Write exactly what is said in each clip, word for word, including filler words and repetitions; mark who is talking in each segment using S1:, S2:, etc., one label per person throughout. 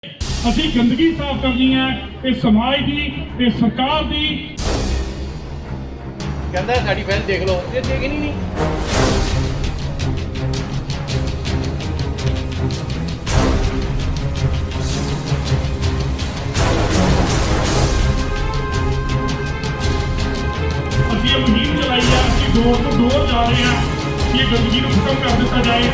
S1: ਅਸੀਂ ਗੰਦਗੀ ਸਾਫ਼ ਕਰਨੀ ਹੈ, ਇਹ ਸਮਾਜ ਦੀ, ਇਹ ਸਰਕਾਰ ਦੀ।
S2: ਕਹਿੰਦਾ ਸਾਡੀ ਫਾਈਲ ਦੇਖ ਲਓ, ਇਹ ਦੇਖਣੀ ਨਹੀਂ।
S1: ਅਸੀਂ ਇਹ ਮੁਹਿੰਮ ਚਲਾਈ ਹੈ, ਅਸੀਂ ਡੋਰ ਤੋਂ ਡੋਰ ਜਾ ਰਹੇ ਹਾਂ ਕਿ ਇਹ ਗੰਦਗੀ ਨੂੰ ਖਤਮ ਕਰ ਦਿੱਤਾ ਜਾਏ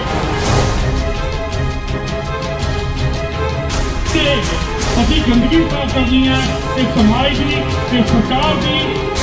S1: ਤੇ ਅਸੀਂ ਗੰਦਗੀ ਸਾਫ਼ ਕਰਨੀ ਹੈ, ਇਹ ਸਮਾਜ ਦੀ, ਇਹ ਸਰਕਾਰ ਦੀ।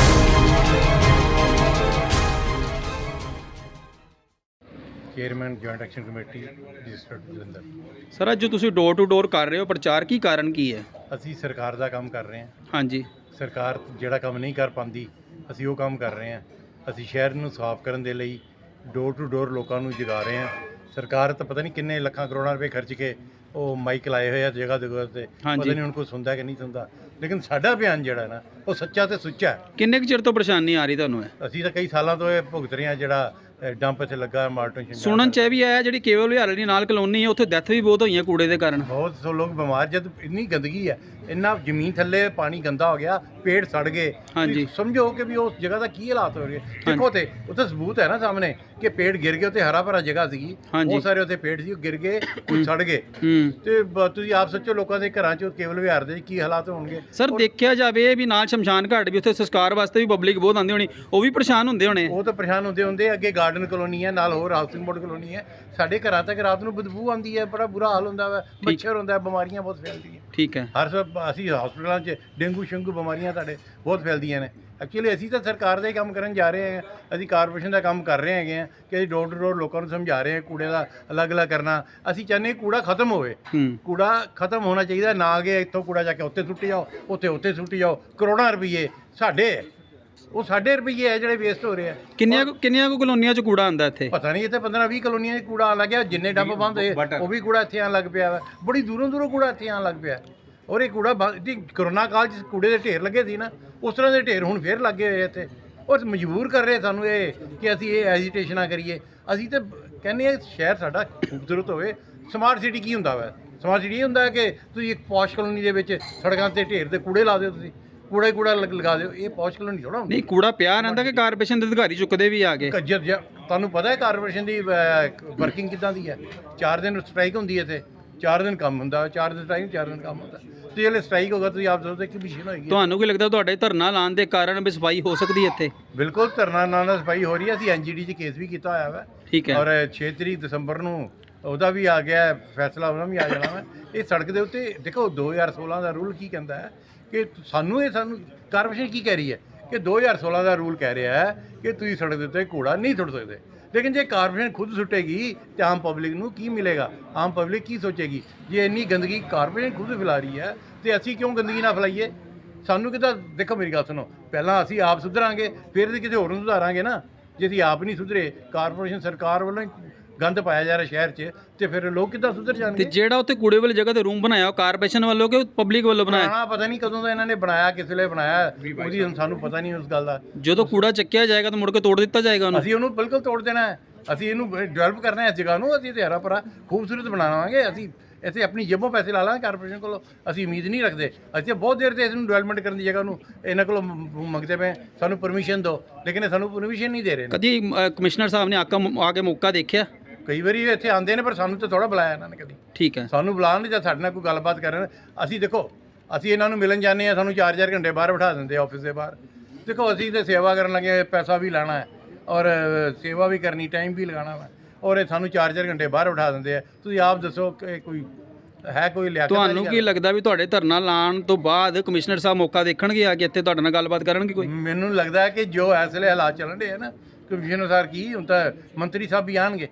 S2: Chairman joint action committee registered Jalandhar.
S3: Sir ਅੱਜ ਜੋ ਤੁਸੀਂ ਡੋਰ ਟੂ ਡੋਰ ਕਰ ਰਹੇ ਹੋ ਪ੍ਰਚਾਰ, ਕੀ ਕਾਰਨ ਕੀ ਹੈ?
S2: ਅਸੀਂ ਸਰਕਾਰ ਦਾ ਕੰਮ ਕਰ ਰਹੇ ਹਾਂ।
S3: ਹਾਂਜੀ,
S2: ਸਰਕਾਰ ਜਿਹੜਾ ਕੰਮ ਨਹੀਂ ਕਰ ਪਾਉਂਦੀ ਅਸੀਂ ਉਹ ਕੰਮ ਕਰ ਰਹੇ ਹਾਂ। ਅਸੀਂ ਸ਼ਹਿਰ ਨੂੰ ਸਾਫ਼ ਕਰਨ ਦੇ ਲਈ ਡੋਰ ਟੂ ਡੋਰ ਲੋਕਾਂ ਨੂੰ ਜਗਾ ਰਹੇ ਹਾਂ। ਸਰਕਾਰ ਤਾਂ ਪਤਾ ਨਹੀਂ ਕਿੰਨੇ ਲੱਖਾਂ ਕਰੋੜਾਂ ਰੁਪਏ ਖਰਚ ਕੇ ਉਹ ਮਾਈਕ ਲਾਏ ਹੋਏ ਆ ਜਗ੍ਹਾ ਜਗ੍ਹਾ ਤੇ, ਪਤਾ ਨਹੀਂ ਹੁਣ ਕੋਈ ਸੁਣਦਾ ਕਿ ਨਹੀਂ ਸੁਣਦਾ, ਲੇਕਿਨ ਸਾਡਾ ਅਭਿਆਨ ਜਿਹੜਾ ਨਾ ਉਹ ਸੱਚਾ ਤੇ ਸੁੱਚਾ ਹੈ।
S3: ਕਿੰਨੇ ਕੁ ਚਿਰ ਤੋਂ ਪਰੇਸ਼ਾਨੀ ਆ ਰਹੀ ਤੁਹਾਨੂੰ ਹੈ?
S2: ਅਸੀਂ ਤਾਂ ਕਈ ਸਾਲਾਂ ਤੋਂ ਇਹ ਭੁਗਤ ਰਹੇ ਹਾਂ। ਜਿਹੜਾ ਡੰਪ ਇੱਥੇ ਲੱਗਾ ਮਾਰਟਨ
S3: ਸੁਣਨ ਚ ਇਹ ਵੀ ਆਇਆ ਜਿਹੜੀ ਕੇਵਲ ਵਿਹਾਰ ਵਾਲੀ ਨਾਲ ਕਲੋਨੀ ਹੈ ਉੱਥੇ ਡੈਥ ਵੀ ਬਹੁਤ ਹੋਈਆਂ ਕੂੜੇ ਦੇ ਕਾਰਨ।
S2: ਬਹੁਤ ਸੋ ਲੋਕ ਬਿਮਾਰ, ਜਦ ਇੰਨੀ ਗੰਦਗੀ ਹੈ, ਇੰਨਾ ਜ਼ਮੀਨ ਥੱਲੇ ਪਾਣੀ ਗੰਦਾ ਹੋ ਗਿਆ, ਪੇੜ ਸੜ ਗਏ।
S3: ਹਾਂਜੀ,
S2: ਸਮਝੋ ਕਿ ਵੀ ਉਸ ਜਗ੍ਹਾ ਦਾ ਕੀ ਹਾਲਾਤ ਹੋ ਰਹੇ। ਦੇਖੋ ਤੇ ਉੱਥੇ ਸਬੂਤ ਹੈ ਨਾ ਸਾਹਮਣੇ ਕਿ ਪੇੜ ਗਿਰ ਗਏ। ਉੱਥੇ ਹਰਾ ਭਰਾ ਜਗ੍ਹਾ ਸੀਗੀ, ਬਹੁਤ ਸਾਰੇ ਉੱਥੇ ਪੇੜ ਸੀ, ਉਹ ਗਿਰ ਗਏ, ਕੁਝ ਸੜ ਗਏ। ਤੇ ਬ- ਤੁਸੀਂ ਆਪ ਸੋਚੋ ਲੋਕਾਂ ਦੇ ਘਰਾਂ 'ਚ ਕੇਵਲ ਵਿਹਾਰ ਦੇ ਕੀ ਹਾਲਾਤ ਹੋਣਗੇ।
S3: ਸਰ ਦੇਖਿਆ ਜਾਵੇ ਵੀ ਨਾਲ ਸ਼ਮਸ਼ਾਨ ਘਾਟ ਵੀ ਉੱਥੇ ਸੰਸਕਾਰ ਵਾਸਤੇ ਵੀ ਪਬਲਿਕ ਬਹੁਤ ਆਉਂਦੀ ਹੋਣੀ, ਉਹ ਵੀ ਪਰੇਸ਼ਾਨ ਹੁੰਦੇ ਹੋਣੇ।
S2: ਉਹ ਤਾਂ ਪਰੇਸ਼ਾਨ ਹੁੰਦੇ ਹੁੰਦੇ ਅੱਗੇ ਗਾਰਡਨ ਕਲੋਨੀ ਹੈ, ਨਾਲ ਹੋਰ ਹਾਊਸਿੰਗ ਬੋਰਡ ਕਲੋਨੀ ਹੈ। ਸਾਡੇ ਘਰਾਂ ਤੱਕ ਰਾਤ ਨੂੰ ਬਦਬੂ ਆਉਂਦੀ ਹੈ, ਬੜਾ ਬੁਰਾ ਹਾਲ ਹੁੰਦਾ ਵਾ, ਮੱਛਰ ਹੁੰਦਾ, ਬਿਮਾਰੀਆਂ ਬਹੁਤ ਫੈਲਦੀਆਂ।
S3: ਠੀਕ ਹੈ,
S2: ਹਰ ਸਭ ਅਸੀਂ ਹਸਪਤਾਲਾਂ 'ਚ ਡੇਂਗੂ ਸ਼ੰਗੂ ਬਿਮਾਰੀਆਂ ਸਾਡੇ ਬਹੁਤ ਫੈਲਦੀਆਂ ਨੇ। ਐਕਚੁਅਲੀ ਅਸੀਂ ਤਾਂ ਸਰਕਾਰ ਦਾ ਹੀ ਕੰਮ ਕਰਨ ਜਾ ਰਹੇ ਹਾਂ। ਅਸੀਂ ਕਾਰਪੋਰੇਸ਼ਨ ਦਾ ਕੰਮ ਕਰ ਰਹੇ ਹੈਗੇ ਹਾਂ ਕਿ ਅਸੀਂ ਡੋਰ ਟੂ ਡੋਰ ਲੋਕਾਂ ਨੂੰ ਸਮਝਾ ਰਹੇ ਹਾਂ ਕੂੜੇ ਦਾ ਅਲੱਗ-ਅਲੱਗ ਕਰਨਾ। ਅਸੀਂ ਚਾਹੁੰਦੇ ਕੂੜਾ ਖਤਮ ਹੋਵੇ। ਕੂੜਾ ਖਤਮ ਹੋਣਾ ਚਾਹੀਦਾ, ਨਾ ਕਿ ਇੱਥੋਂ ਕੂੜਾ ਜਾ ਕੇ ਉੱਥੇ ਸੁੱਟੀ ਜਾਓ, ਉੱਥੇ ਉੱਥੇ ਸੁੱਟੀ ਜਾਓ। ਕਰੋੜਾਂ ਰੁਪਈਏ ਸਾਡੇ, ਉਹ ਸਾਡੇ ਰੁਪਈਏ ਹੈ ਜਿਹੜੇ ਵੇਸਟ ਹੋ ਰਹੇ ਆ।
S3: ਕਿੰਨੀਆਂ ਕੁ- ਕਿੰਨੀਆਂ ਕੁ ਕਲੋਨੀਆਂ 'ਚ ਕੂੜਾ ਆਉਂਦਾ ਇੱਥੇ?
S2: ਪਤਾ ਨਹੀਂ, ਇੱਥੇ ਪੰਦਰਾਂ ਵੀਹ ਕਲੋਨੀਆਂ 'ਚ ਕੂੜਾ ਆਉਣ ਲੱਗਿਆ। ਜਿੰਨੇ ਡੱਬ ਬੰਦ ਹੋਏ ਉਹ ਵੀ ਕੂੜਾ ਇੱਥੇ ਆਉਣ ਲੱਗ ਪਿਆ ਵਾ। ਬੜੀ ਦੂਰੋਂ ਦੂਰੋਂ ਕੂੜਾ ਇੱਥੇ ਆਉਣ ਲੱਗ ਪਿਆ। ਔਰ ਇਹ ਕੂੜਾ ਜੀ ਕਰੋਨਾ ਕਾਲ 'ਚ ਕੂੜੇ ਦੇ ਢੇਰ ਲੱਗੇ ਸੀ ਨਾ, ਉਸ ਤਰ੍ਹਾਂ ਦੇ ਢੇਰ ਹੁਣ ਫੇਰ ਲੱਗੇ ਹੋਏ ਇੱਥੇ। ਔਰ ਮਜਬੂਰ ਕਰ ਰਹੇ ਸਾਨੂੰ ਇਹ ਕਿ ਅਸੀਂ ਇਹ ਐਜੀਟੇਸ਼ਨਾਂ ਕਰੀਏ। ਅਸੀਂ ਤਾਂ ਕਹਿੰਦੇ ਹਾਂ ਸ਼ਹਿਰ ਸਾਡਾ ਖੂਬਸੂਰਤ ਹੋਵੇ। ਸਮਾਰਟ ਸਿਟੀ ਕੀ ਹੁੰਦਾ ਵਾ? ਸਮਾਰਟ ਸਿਟੀ ਇਹ ਹੁੰਦਾ ਕਿ ਤੁਸੀਂ ਇੱਕ ਪੌਸ਼ ਕਲੋਨੀ ਦੇ ਵਿੱਚ ਸੜਕਾਂ 'ਤੇ ਢੇਰ ਦੇ ਕੂੜੇ ਲਾ ਦਿਓ, ਤੁਸੀਂ ਕੂੜਾ ਹੀ ਕੂੜਾ ਲਗਾ ਦਿਓ। ਇਹ ਪੌਸ਼ ਕਲੋਨੀ ਥੋੜ੍ਹਾ ਹੁੰਦਾ।
S3: ਨਹੀਂ, ਕੂੜਾ ਪਿਆ ਰਹਿੰਦਾ ਕਿ ਕਾਰਪੋਰੇਸ਼ਨ ਦੇ ਅਧਿਕਾਰੀ ਚੁੱਕਦੇ ਵੀ ਆ ਗਏ?
S2: ਕੱਜਰ ਜਿਹਾ ਤੁਹਾਨੂੰ ਪਤਾ ਹੈ ਕਾਰਪੋਰੇਸ਼ਨ ਦੀ ਵਰਕਿੰਗ ਕਿੱਦਾਂ ਦੀ ਹੈ। ਚਾਰ ਦਿਨ ਸਟ੍ਰਾਈਕ ਹੁੰਦੀ ਹੈ ਇੱਥੇ, ਚਾਰ ਦਿਨ ਕੰਮ ਹੁੰਦਾ, ਚਾਰ ਦਿਨ ਸਟ੍ਰਾਈਕ, ਚਾਰ ਦਿਨ ਕੰਮ ਹੁੰਦਾ। ਤੇ ਜਿਹੜੇ ਸਟ੍ਰਾਈਕ ਹੋਗਾ ਤੁਸੀਂ ਆਪ ਦੱਸੋ ਕਿ ਮਸ਼ੀਨ ਹੋਏਗੀ।
S3: ਤੁਹਾਨੂੰ ਕੀ ਲੱਗਦਾ ਤੁਹਾਡੇ ਧਰਨਾ ਲਾਉਣ ਦੇ ਕਾਰਨ ਵੀ ਸਫਾਈ ਹੋ ਸਕਦੀ ਹੈ ਇੱਥੇ?
S2: ਬਿਲਕੁਲ ਧਰਨਾ ਨਾਲ ਨਾਲ ਸਫਾਈ ਹੋ ਰਹੀ ਹੈ। ਅਸੀਂ ਐਨ ਜੀ ਡੀ 'ਚ ਕੇਸ ਵੀ ਕੀਤਾ ਹੋਇਆ ਵਾ।
S3: ਠੀਕ ਹੈ,
S2: ਔਰ ਛੇ ਤਰੀਕ ਦਸੰਬਰ ਨੂੰ ਉਹਦਾ ਵੀ ਆ ਗਿਆ ਫੈਸਲਾ, ਉਹਦਾ ਵੀ ਆ ਜਾਣਾ ਵਾ। ਇਹ ਸੜਕ ਦੇ ਉੱਤੇ ਦੇਖੋ ਦੋ ਹਜ਼ਾਰ ਸੋਲਾਂ ਦਾ ਰੂਲ ਕੀ ਕਹਿੰਦਾ ਹੈ ਕਿ ਸਾਨੂੰ ਇਹ ਸਾਨੂੰ ਕਾਰਪੋਰੇਸ਼ਨ ਕੀ ਕਹਿ ਰਹੀ ਹੈ ਕਿ ਦੋ ਹਜ਼ਾਰ ਸੋਲਾਂ ਦਾ ਰੂਲ ਕਹਿ ਰਿਹਾ ਹੈ ਕਿ ਤੁਸੀਂ ਸੜਕ ਦੇ ਉੱਤੇ ਕੂੜਾ ਨਹੀਂ ਸੁੱਟ ਸਕਦੇ। ਲੇਕਿਨ ਜੇ ਕਾਰਪੋਰੇਸ਼ਨ ਖੁਦ ਸੁੱਟੇਗੀ ਤਾਂ ਆਮ ਪਬਲਿਕ ਨੂੰ ਕੀ ਮਿਲੇਗਾ? ਆਮ ਪਬਲਿਕ ਕੀ ਸੋਚੇਗੀ? ਜੇ ਇੰਨੀ ਗੰਦਗੀ ਕਾਰਪੋਰੇਸ਼ਨ ਖੁਦ ਫੈਲਾ ਰਹੀ ਹੈ ਤੇ ਅਸੀਂ ਕਿਉਂ ਗੰਦਗੀ ਨਾ ਫੈਲਾਈਏ? ਸਾਨੂੰ ਕਿੱਦਾਂ? ਦੇਖੋ ਮੇਰੀ ਗੱਲ ਸੁਣੋ, ਪਹਿਲਾਂ ਅਸੀਂ ਆਪ ਸੁਧਰਾਂਗੇ ਫਿਰ ਅਸੀਂ ਕਿਸੇ ਹੋਰ ਨੂੰ ਸੁਧਾਰਾਂਗੇ ਨਾ। ਜੇ ਅਸੀਂ ਆਪ ਨਹੀਂ ਸੁਧਰੇ, ਕਾਰਪੋਰੇਸ਼ਨ ਸਰਕਾਰ ਵੱਲੋਂ ਗੰਦ ਪਾਇਆ ਜਾ ਰਿਹਾ ਸ਼ਹਿਰ 'ਚ, ਤੇ ਫਿਰ ਲੋਕ ਕਿੱਦਾਂ ਸੁਧਰ ਜਾਣਗੇ?
S3: ਤੇ ਜਿਹੜਾ ਉੱਥੇ ਕੂੜੇ ਵਾਲੀ ਜਗ੍ਹਾ ਤੇ ਰੂਮ ਬਣਾਇਆ ਉਹ ਕਾਰਪੋਰੇਸ਼ਨ ਵੱਲੋਂ ਕਿ ਪਬਲਿਕ ਵੱਲੋਂ ਬਣਾਇਆ?
S2: ਬਣਾਇਆ ਪਤਾ ਨਹੀਂ ਕਦੋਂ ਦਾ ਇਹਨਾਂ ਨੇ ਬਣਾਇਆ, ਕਿਸ ਵੇਲੇ ਬਣਾਇਆ, ਉਹਦੀ ਹੁਣ ਸਾਨੂੰ ਪਤਾ ਨਹੀਂ ਉਸ ਗੱਲ ਦਾ।
S3: ਜਦੋਂ ਕੂੜਾ ਚੱਕਿਆ ਜਾਏਗਾ ਤਾਂ ਮੁੜ ਕੇ ਤੋੜ ਦਿੱਤਾ ਜਾਏਗਾ ਉਹਨੂੰ?
S2: ਅਸੀਂ ਉਹਨੂੰ ਬਿਲਕੁਲ ਤੋੜ ਦੇਣਾ ਹੈ। ਅਸੀਂ ਇਹਨੂੰ ਡਿਵੈਲਪ ਕਰਨਾ ਹੈ ਇਸ ਜਗ੍ਹਾ ਨੂੰ। ਅਸੀਂ ਤੇ ਹਰਾ ਭਰਾ ਖੂਬਸੂਰਤ ਬਣਾਵਾਂਗੇ। ਅਸੀਂ ਇੱਥੇ ਆਪਣੀ ਜੇਬੋਂ ਪੈਸੇ ਲਾ ਲਾਂਗੇ, ਕਾਰਪੋਰੇਸ਼ਨ ਕੋਲੋਂ ਅਸੀਂ ਉਮੀਦ ਨਹੀਂ ਰੱਖਦੇ। ਅਸੀਂ ਬਹੁਤ ਦੇਰ ਤੇ ਇਸ ਨੂੰ ਡਿਵੈਲਪਮੈਂਟ ਕਰਨ ਦੀ ਜਗ੍ਹਾ ਨੂੰ ਇਹਨਾਂ ਕੋਲੋਂ ਮੰਗਦੇ ਪਏ ਸਾਨੂੰ ਪਰਮਿਸ਼ਨ ਦਿਓ, ਲੇਕਿਨ ਇਹ ਸਾਨੂੰ ਪਰਮਿਸ਼ਨ ਨਹੀਂ ਦੇ ਰਹੇ।
S3: ਕਦੀ ਅ, ਕਮਿਸ਼ਨਰ ਸਾਹਿਬ ਨੇ ਆਕਾ ਆ ਕੇ ਮੌਕਾ ਦੇਖਿਆ?
S2: ਕਈ ਵਾਰੀ ਇੱਥੇ ਆਉਂਦੇ ਨੇ ਪਰ ਸਾਨੂੰ ਤਾਂ ਥੋੜ੍ਹਾ ਬੁਲਾਇਆ ਇਹਨਾਂ ਨੇ ਕਦੀ।
S3: ਠੀਕ ਹੈ,
S2: ਸਾਨੂੰ ਬੁਲਾਉਣ ਜਾਂ ਸਾਡੇ ਨਾਲ ਕੋਈ ਗੱਲਬਾਤ ਕਰਨ। ਅਸੀਂ ਦੇਖੋ ਅਸੀਂ ਇਹਨਾਂ ਨੂੰ ਮਿਲਣ ਜਾਂਦੇ ਹਾਂ, ਸਾਨੂੰ ਚਾਰ ਚਾਰ ਘੰਟੇ ਬਾਹਰ ਬਿਠਾ ਦਿੰਦੇ ਆ ਆਫਿਸ ਦੇ ਬਾਹਰ। ਦੇਖੋ ਅਸੀਂ ਤਾਂ ਸੇਵਾ ਕਰਨ ਲੱਗੇ, ਪੈਸਾ ਵੀ ਲੈਣਾ ਹੈ ਔਰ ਸੇਵਾ ਵੀ ਕਰਨੀ, ਟਾਈਮ ਵੀ ਲਗਾਉਣਾ ਵਾ, ਔਰ ਇਹ ਸਾਨੂੰ ਚਾਰ ਚਾਰ ਘੰਟੇ ਬਾਹਰ ਬਿਠਾ ਦਿੰਦੇ ਆ। ਤੁਸੀਂ ਆਪ ਦੱਸੋ ਕਿ ਕੋਈ ਹੈ ਕੋਈ ਲਿਆ?
S3: ਤੁਹਾਨੂੰ ਕੀ ਲੱਗਦਾ ਵੀ ਤੁਹਾਡੇ ਧਰਨਾ ਲਾਉਣ ਤੋਂ ਬਾਅਦ ਕਮਿਸ਼ਨਰ ਸਾਹਿਬ ਮੌਕਾ ਦੇਖਣਗੇ ਆ ਕੇ ਇੱਥੇ ਤੁਹਾਡੇ ਨਾਲ ਗੱਲਬਾਤ ਕਰਨਗੇ ਕੋਈ?
S2: ਮੈਨੂੰ ਲੱਗਦਾ ਹੈ ਕਿ ਜੋ ਇਸ ਵੇਲੇ ਹਾਲਾਤ ਚੱਲਣ ਦੇ ਆ ਨਾ, ਕਮਿਸ਼ਨਰ ਸਾਹਿਬ ਕੀ ਹੁਣ ਤਾਂ ਮੰਤਰੀ ਸਾਹਿਬ ਵੀ ਆਉਣਗੇ।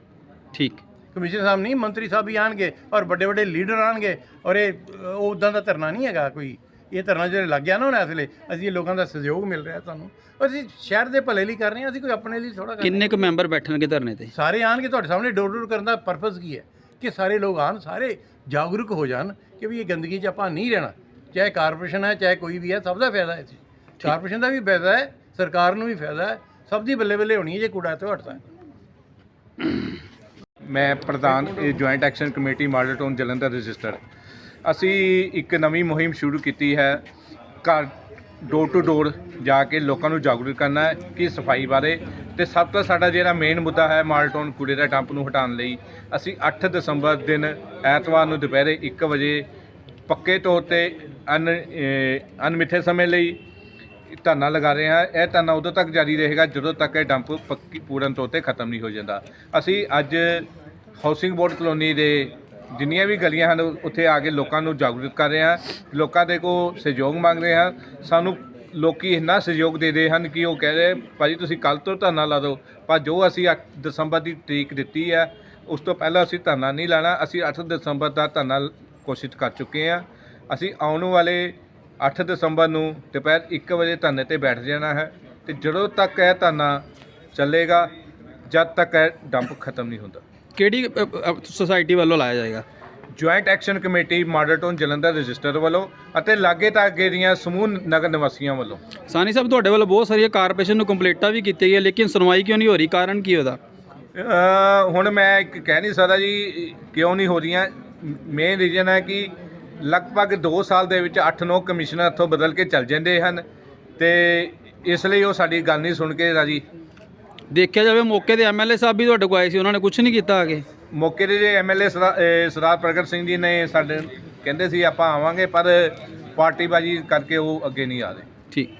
S3: ਠੀਕ,
S2: ਕਮਿਸ਼ਨਰ ਸਾਹਿਬ ਨਹੀਂ, ਮੰਤਰੀ ਸਾਹਿਬ ਵੀ ਆਉਣਗੇ ਔਰ ਵੱਡੇ ਵੱਡੇ ਲੀਡਰ ਆਉਣਗੇ। ਔਰ ਇਹ ਉੱਦਾਂ ਦਾ ਧਰਨਾ ਨਹੀਂ ਹੈਗਾ ਕੋਈ। ਇਹ ਧਰਨਾ ਜਿਹੜੇ ਲੱਗ ਗਿਆ ਨਾ ਹੁਣ ਇਸ ਵੇਲੇ, ਅਸੀਂ ਲੋਕਾਂ ਦਾ ਸਹਿਯੋਗ ਮਿਲ ਰਿਹਾ ਸਾਨੂੰ। ਅਸੀਂ ਸ਼ਹਿਰ ਦੇ ਭਲੇ ਲਈ ਕਰ ਰਹੇ ਹਾਂ, ਅਸੀਂ ਕੋਈ ਆਪਣੇ ਲਈ ਥੋੜ੍ਹਾ।
S3: ਕਿੰਨੇ ਕੁ ਮੈਂਬਰ ਬੈਠਣਗੇ ਧਰਨੇ ਤੇ?
S2: ਸਾਰੇ ਆਉਣਗੇ। ਤੁਹਾਡੇ ਸਾਹਮਣੇ ਡੋਰ ਡੋਰ ਕਰਨ ਦਾ ਪਰਪਸ ਕੀ ਹੈ ਕਿ ਸਾਰੇ ਲੋਕ ਆਉਣ, ਸਾਰੇ ਜਾਗਰੂਕ ਹੋ ਜਾਣ ਕਿ ਵੀ ਇਹ ਗੰਦਗੀ 'ਚ ਆਪਾਂ ਨਹੀਂ ਰਹਿਣਾ। ਚਾਹੇ ਕਾਰਪੋਰੇਸ਼ਨ ਹੈ, ਚਾਹੇ ਕੋਈ ਵੀ ਹੈ, ਸਭ ਦਾ ਫਾਇਦਾ ਹੈ। ਕਾਰਪੋਰੇਸ਼ਨ ਦਾ ਵੀ ਫਾਇਦਾ ਹੈ, ਸਰਕਾਰ ਨੂੰ ਵੀ ਫਾਇਦਾ ਹੈ, ਸਭ ਦੀ ਬੱਲੇ ਬੱਲੇ ਹੋਣੀ ਹੈ ਜੇ ਕੂੜਾ ਇੱਥੋਂ ਹਟਦਾ ਹੈ।
S4: ਮੈਂ ਪ੍ਰਧਾਨ joint action committee model town Jalandhar register. ਅਸੀਂ ਇੱਕ ਨਵੀਂ ਮੁਹਿੰਮ ਸ਼ੁਰੂ ਕੀਤੀ ਹੈ। ਘਰ ਡੋਰ ਟੂ ਡੋਰ ਜਾ ਕੇ ਲੋਕਾਂ ਨੂੰ ਜਾਗਰੂਕ ਕਰਨਾ ਹੈ ਕਿ ਸਫਾਈ ਬਾਰੇ। ਤੇ ਸਭ ਤੋਂ ਸਾਡਾ ਜਿਹੜਾ ਮੇਨ ਮੁੱਦਾ ਹੈ ਮਾਲਟੋਨ ਕੂੜੇ ਦਾ ਡੰਪ ਨੂੰ ਹਟਾਉਣ ਲਈ ਅਸੀਂ ਅੱਠ ਦਸੰਬਰ ਦਿਨ ਐਤਵਾਰ ਨੂੰ ਦੁਪਹਿਰੇ ਇੱਕ ਵਜੇ ਪੱਕੇ ਤੌਰ 'ਤੇ ਅਨ ਅ, ਅਣਮਿੱਥੇ ਸਮੇਂ ਲਈ ਧਰਨਾ ਲਗਾ ਰਹੇ ਹਾਂ। ਇਹ ਧਰਨਾ ਉਦੋਂ ਤੱਕ ਜਾਰੀ ਰਹੇਗਾ ਜਦੋਂ ਤੱਕ ਇਹ ਡੰਪ ਪੱਕੀ ਪੂਰਨ ਤੌਰ 'ਤੇ ਖਤਮ ਨਹੀਂ ਹੋ ਜਾਂਦਾ। ਅਸੀਂ ਅੱਜ ਹਾਊਸਿੰਗ ਬੋਰਡ ਕਲੋਨੀ ਦੇ ਜਿੰਨੀਆਂ ਵੀ ਗਲੀਆਂ ਹਨ ਉੱਥੇ ਆ ਕੇ ਲੋਕਾਂ ਨੂੰ ਜਾਗਰੂਕ ਕਰ ਰਹੇ ਹਾਂ। ਲੋਕਾਂ ਦੇ ਕੋਲ ਸਹਿਯੋਗ ਮੰਗ ਰਹੇ ਹਾਂ। ਸਾਨੂੰ ਲੋਕੀ ਇੰਨਾ ਸਹਿਯੋਗ ਦੇ ਰਹੇ ਹਨ ਕਿ ਉਹ ਕਹਿ ਰਹੇ ਭਾਜੀ ਤੁਸੀਂ ਕੱਲ੍ਹ ਤੋਂ ਧਰਨਾ ਲਾ ਦਿਓ, ਪਰ ਜੋ ਅਸੀਂ ਅੱਠ ਦਸੰਬਰ ਦੀ ਤਰੀਕ ਦਿੱਤੀ ਹੈ ਉਸ ਤੋਂ ਪਹਿਲਾਂ ਅਸੀਂ ਧਰਨਾ ਨਹੀਂ ਲਾਣਾ। ਅਸੀਂ ਅੱਠ ਦਸੰਬਰ ਦਾ ਧਰਨਾ ਕੋਸ਼ਿਸ਼ ਕਰ ਚੁੱਕੇ ਹਾਂ। ਅਸੀਂ ਆਉਣ ਵਾਲੇ ਅੱਠ ਦਸੰਬਰ ਨੂੰ ਦੁਪਹਿਰ ਇੱਕ ਵਜੇ ਧਰਨੇ 'ਤੇ ਬੈਠ ਜਾਣਾ ਹੈ ਤੇ ਜਦੋਂ ਤੱਕ ਇਹ ਧਰਨਾ ਚੱਲੇਗਾ ਜਦ ਤੱਕ ਇਹ ਡੰਪ ਖਤਮ ਨਹੀਂ ਹੁੰਦਾ।
S3: ਕਿਹੜੀ ਸੁਸਾਇਟੀ ਵੱਲੋਂ ਲਾਇਆ ਜਾਏਗਾ?
S4: Joint action committee model Jalandhar register ਵੱਲੋਂ ਅਤੇ ਲਾਗੇ ਤਾਗੇ ਦੀਆਂ ਸਮੂਹ ਨਗਰ ਨਿਵਾਸੀਆਂ ਵੱਲੋਂ।
S3: ਸਾਨੀ ਸਾਹਿਬ, ਤੁਹਾਡੇ ਵੱਲੋਂ ਬਹੁਤ ਸਾਰੀਆਂ ਕਾਰਪੋਰੇਸ਼ਨ ਨੂੰ ਕੰਪਲੇਂਟਾਂ ਵੀ ਕੀਤੀਆਂ ਗਈਆਂ ਲੇਕਿਨ ਸੁਣਵਾਈ ਕਿਉਂ ਨਹੀਂ ਹੋ ਰਹੀ? ਕਾਰਨ ਕੀ ਉਹਦਾ?
S4: ਅ, ਹੁਣ ਮੈਂ ਇੱਕ ਕਹਿ ਨਹੀਂ ਸਕਦਾ ਜੀ ਕਿਉਂ ਨਹੀਂ ਹੋ ਰਹੀਆਂ। ਮੇਨ ਰੀਜ਼ਨ ਹੈ ਕਿ ਲਗਭਗ ਦੋ ਸਾਲ ਦੇ ਵਿੱਚ ਅੱਠ ਨੌ ਕਮਿਸ਼ਨਰ ਇੱਥੋਂ ਬਦਲ ਕੇ ਚੱਲ ਜਾਂਦੇ ਹਨ ਤੇ ਇਸ ਲਈ ਉਹ ਸਾਡੀ ਗੱਲ ਨਹੀਂ ਸੁਣ ਕੇ ਰਾਜੀ।
S3: ਦੇਖਿਆ ਜਾਵੇ ਮੌਕੇ ਦੇ ਐਮਐਲਏ ਸਾਹਿਬ ਵੀ ਤੁਹਾਡੇ ਕੋਲ ਆਏ ਸੀ, ਉਹਨਾਂ ਨੇ ਕੁਝ ਨਹੀਂ ਕੀਤਾ ਅੱਗੇ।
S4: ਮੌਕੇ ਦੇ ਜੇ ਐਮਐਲਏ ਸਰਦਾਰ ਪ੍ਰਗਟ ਸਿੰਘ ਜੀ ਨੇ ਸਾਡੇ ਕਹਿੰਦੇ ਸੀ ਆਪਾਂ ਆਵਾਂਗੇ, ਪਰ ਪਾਰਟੀਬਾਜ਼ੀ ਕਰਕੇ ਉਹ ਅੱਗੇ ਨਹੀਂ ਆ ਰਹੇ।
S3: ਠੀਕ।